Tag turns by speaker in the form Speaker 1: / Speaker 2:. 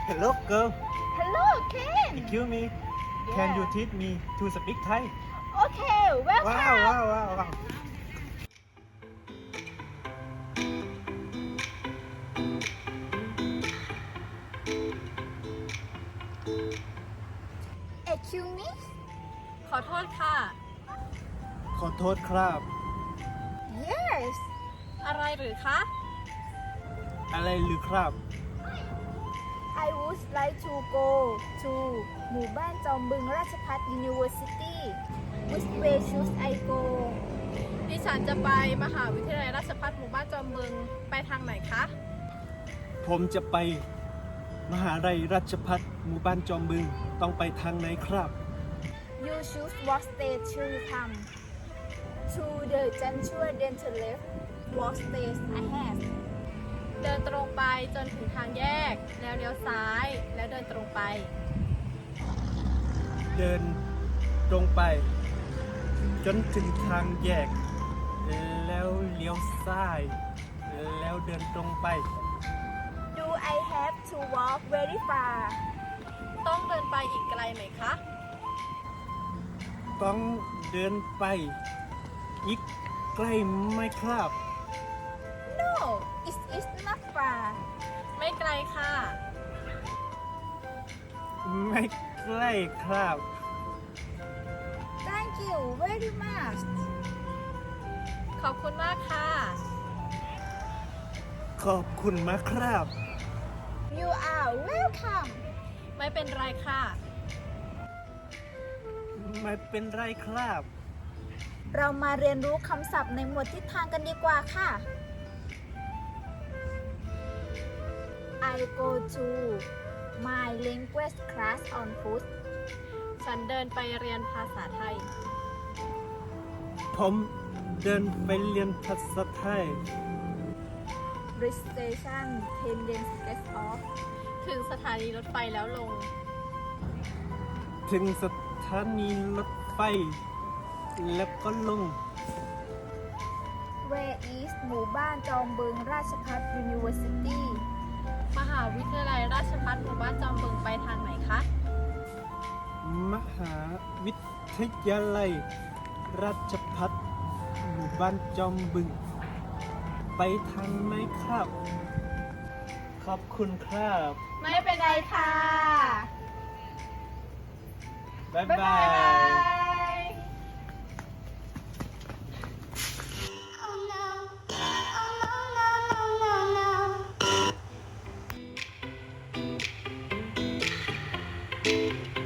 Speaker 1: Hello girl,
Speaker 2: Hello, Ken.
Speaker 1: excuse me. Can you teach me to speak Thai?
Speaker 2: Okay, welcome.
Speaker 1: Wow.
Speaker 2: Excuse me?
Speaker 3: ขอโทษค่ะ
Speaker 1: ขอโทษครับ
Speaker 2: Yes.
Speaker 3: อะไรหรือคะ
Speaker 1: อะไรหรือครับ
Speaker 2: I would like to go to หมู่บ้านจอมบึงราชภัฏ University. Which way should I go?
Speaker 3: ดิฉันจะไปมหาวิทยาลัยราชภัฏหมู่บ้านจอมบึงไปทางไหนคะ
Speaker 1: ผมจะไปมหาลัยราชภัฏหมู่บ้านจอมบึงต้องไปทางไหนครับ
Speaker 2: You choose what stage to come. To the junction, then to left. What stage ahead?
Speaker 3: เดินตรงไปจนถึงทางแยก แล้วเลี้ยวซ้าย แล้วเดินตรงไป
Speaker 1: เดินตรงไป จนถึงทางแยก แล้วเลี้ยวซ้าย แล้วเดินตรงไป
Speaker 2: Do I have to walk very far?
Speaker 3: ต้องเดินไปอีกไกลไหมคะ
Speaker 1: ต้องเดินไป อีกใกล้ไหมครับ
Speaker 2: No, it is not far.
Speaker 3: ไม่ไกลค่ะ
Speaker 1: ไม่ใกล้ครับ
Speaker 2: Thank you very much.
Speaker 3: ขอบคุณมากค่ะ
Speaker 1: ขอบคุณมากครับ
Speaker 2: You are welcome.
Speaker 3: ไม่เป็นไรค่ะ
Speaker 1: ไม่เป็นไรครับ
Speaker 2: เรามาเรียนรู้คำศัพท์ในหมวดทิศทางกันดีกว่าค่ะ I go to my language class on foot.
Speaker 3: ฉันเดินไปเรียนภาษาไทย
Speaker 1: ผมเดินไปเรียนภาษาไทย
Speaker 2: Bridge station 10 then get off.
Speaker 3: ถึงสถานีรถไฟแล้วลง
Speaker 1: ถึงสถานีรถไฟ แล้วก็ลง
Speaker 2: Where is หมู่บ้านจอมบึงราชภัฏ University?
Speaker 3: มหาวิทยาลัยราชภัฏหมู่บ้านจอมบึงไปทางไหนคะ
Speaker 1: มหาวิทยาลัย ราชภัฏหมู่บ้านจอมบึง ไปทางไหนครับ ขอบคุณครับ
Speaker 3: ไม่เป็นไรค่ะ
Speaker 1: บ๊าย
Speaker 3: บ๊าย
Speaker 1: บา
Speaker 3: บาย ย
Speaker 4: Oh no, oh no, no, no, no, no.